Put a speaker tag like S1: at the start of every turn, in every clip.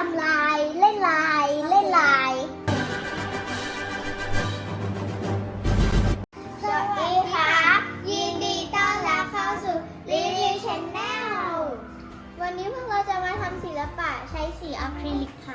S1: ำลายเล่นลายเล่นลายสวัสดีค่ะยินดีต้อนรับเข้าสู่รีวิวชาแนลวันนี้พวกเราจะมาทำศิลปะใช้สีอะคริลิกค่ะ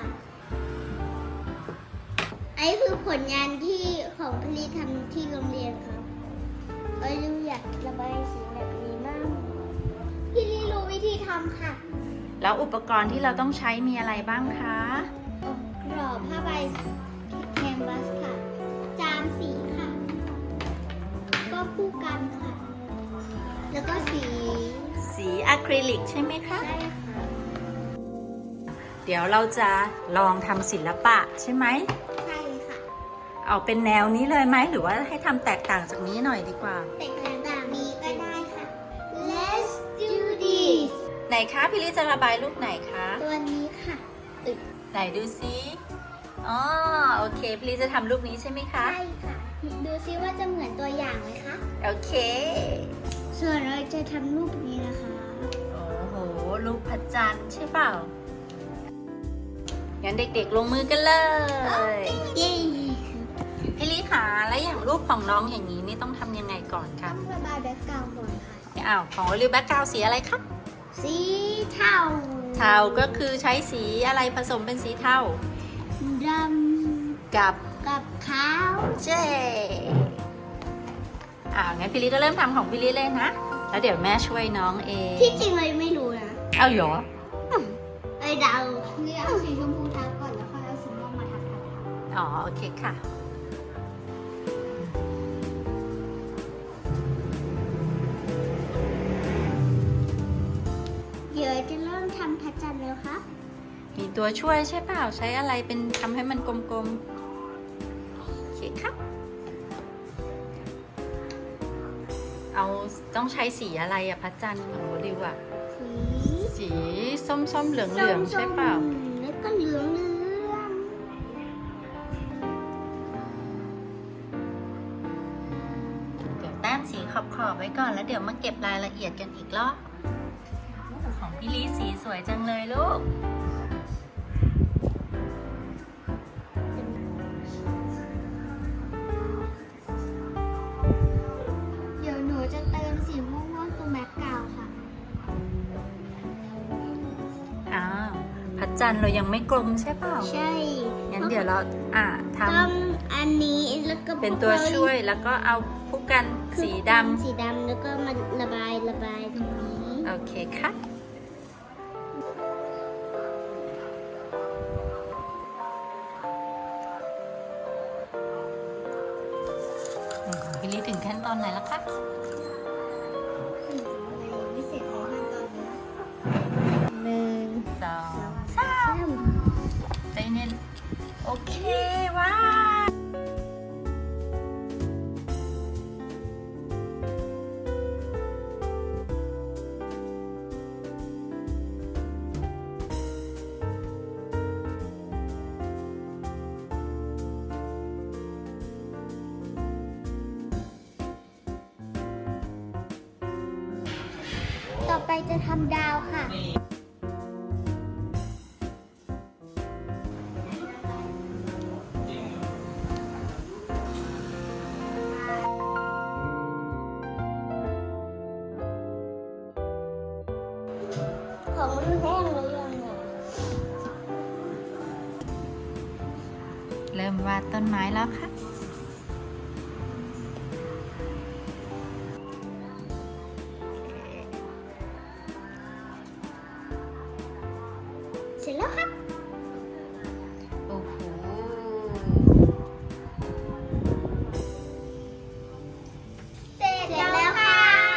S1: อันนี้คือผลงานที่ของพี่ลีทำที่โรงเรียนครับลูกอยากระบายสีแบบนี้มากพี่ลีรู้วิธีทำค่ะ
S2: แล้วอุปกรณ์ที่เราต้องใช้มีอะไรบ้างคะ
S1: กรอบผ้าใบแคนวาสค่ะจานสีค่ะก็คู่กันค่ะแล้วก็
S2: สีอะคริลิกใช่ไหมคะ
S1: ใช่ค่ะ
S2: เดี๋ยวเราจะลองทำศิลปะใช่ไหม
S1: ใช่ค่ะ
S2: เอาเป็นแนวนี้เลยไหมหรือว่าให้ทำแตกต่างจากนี้หน่อยดีกว่า
S1: แต่ต่างๆนี้ก็ได้ค่ะ Let's do this
S2: ไหนคะพี่ลิจะระบายรูปไหนคะ
S1: ตัวนี้ค่ะ
S2: ไหนดูซิอ๋อโอเคพี่ลิจะทำรูปนี้ใช่ไหมคะ
S1: ใช่ค่ะ ดูซิว่าจะเหมือนตัวอย่างไหมคะ
S2: โอเค
S1: ส่วนเราจะทำรูปนี้นะคะ
S2: โอ้โหรูปพระจันทร์ใช่เปล่างั้นเด็กๆลงมือกันเลย
S1: เย้
S2: พี่ลิคะแล้วอย่างรูปของน้องอย่างนี้นี่ต้องทำยังไงก่อนคะ
S1: ต้องระบายแบ็คกราวด์ก่อนค่ะ
S2: อ้าวของริวแบ็คกราวสีอะไรครับ
S1: สีเทา
S2: เทาก็คือใช้สีอะไรผสมเป็นสีเทา
S1: ด
S2: กับ
S1: ำกับขาว
S2: เจงั้นพี่ลิจะเริ่มทำของพี่ลิเลยนะ แล้วเดี๋ยวแม่ช่วยน้องเอง
S1: ที่จริงเลยไม่รู้นะ
S2: เอาเหรอ
S1: เดาเลือกเอาสีชมพูทับก่อนแล้วค่อยเอาสีม่วงมาทับ
S2: อ๋อโอเคค่ะ
S1: เดี๋ยวจะเริ่มทำพระจันทร์แล้วครับ
S2: มีตัวช่วยใช่เปล่าใช้อะไรเป็นทำให้มันกลมๆโอเคครับเอาต้องใช้สีอะไรอะพระจันทร์ของริวอะสีส้มๆเหลืองๆใช่เปล่า
S1: แล้วก็เหลือง
S2: เดี๋ยวแต้มสีขอบๆไว้ก่อนแล้วเดี๋ยวมาเก็บรายละเอียดกันอีกรอบของพี่ลีสีสวยจังเลยลูก
S1: เดี๋ยวหนูจะเติมสีม่วงๆตรงแบ็คกราวด์ค่ะ
S2: อ้าวพระจันทร์เรายังไม่กลมใช่เปล่า
S1: ใช่
S2: งั้นเดี๋ยวเราท
S1: ต้องอันนี้แล้วก็
S2: ำเป็นตัวช่วยแล้วก็เอาผู้กันสีด
S1: สีดำแล้วก็มาระบายตรงนี้
S2: ำโอเคค่ะของพี่ลีถึงขั้นตอนไหนแล้วคะ
S1: ไม่เสร็จเลยขั้นตอนนี้1
S2: สอง
S1: 3
S2: ใจเย็นโอเคว้าว
S1: ต่อไปจะทำดาวค่ะ ของมันแห้งหรือยังเนี่ย
S2: เริ่มวาดต้นไม้แล้วค่ะ
S1: เสร็จแล้วครับ
S2: โอ้โห
S1: เสร็จแล้วค่ะ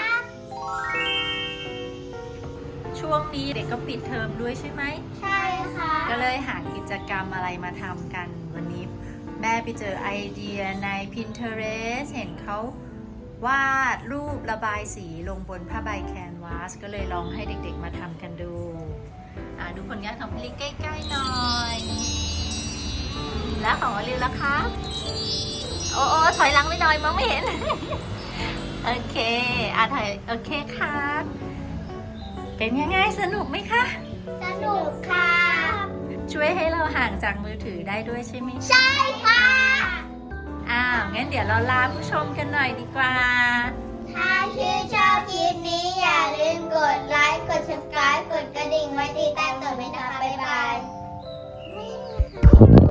S2: ช่วงนี้เด็กก็ปิดเทอมด้วยใช่ไหม
S1: ใช่ค่ะ
S2: ก็เลยหากิจกรรมอะไรมาทำกัน วันนี้แม่ไปเจอไอเดียใน Pinterest เห็นเขาวาดรูประบายสีลงบนผ้าใบแคนวาสก็เลยลองให้เด็กๆมาทำกันดูดูผลงานของพี่ลิใกล้ๆหน่อย แล้วของอลิวล่ะคะโอ้ถอยหลังไปหน่อยมองไม่เห็น โอเคถ่ายโอเคครับ เป็นยังไงสนุกไหมคะ
S1: สนุกค่ะ
S2: ช่วยให้เราห่างจากมือถือได้ด้วยใช่ไหม
S1: ใช่ค่ะ
S2: งั้นเดี๋ยวเราลาผู้ชมกันหน่อยดีกว่า
S1: ถ้าชื่นชอบคลิปนี้อย่าลืมกดไลค์ กด subscribe กดกระดิ่งไว้ติดตามต่อไปนะคะ บ๊ายบาย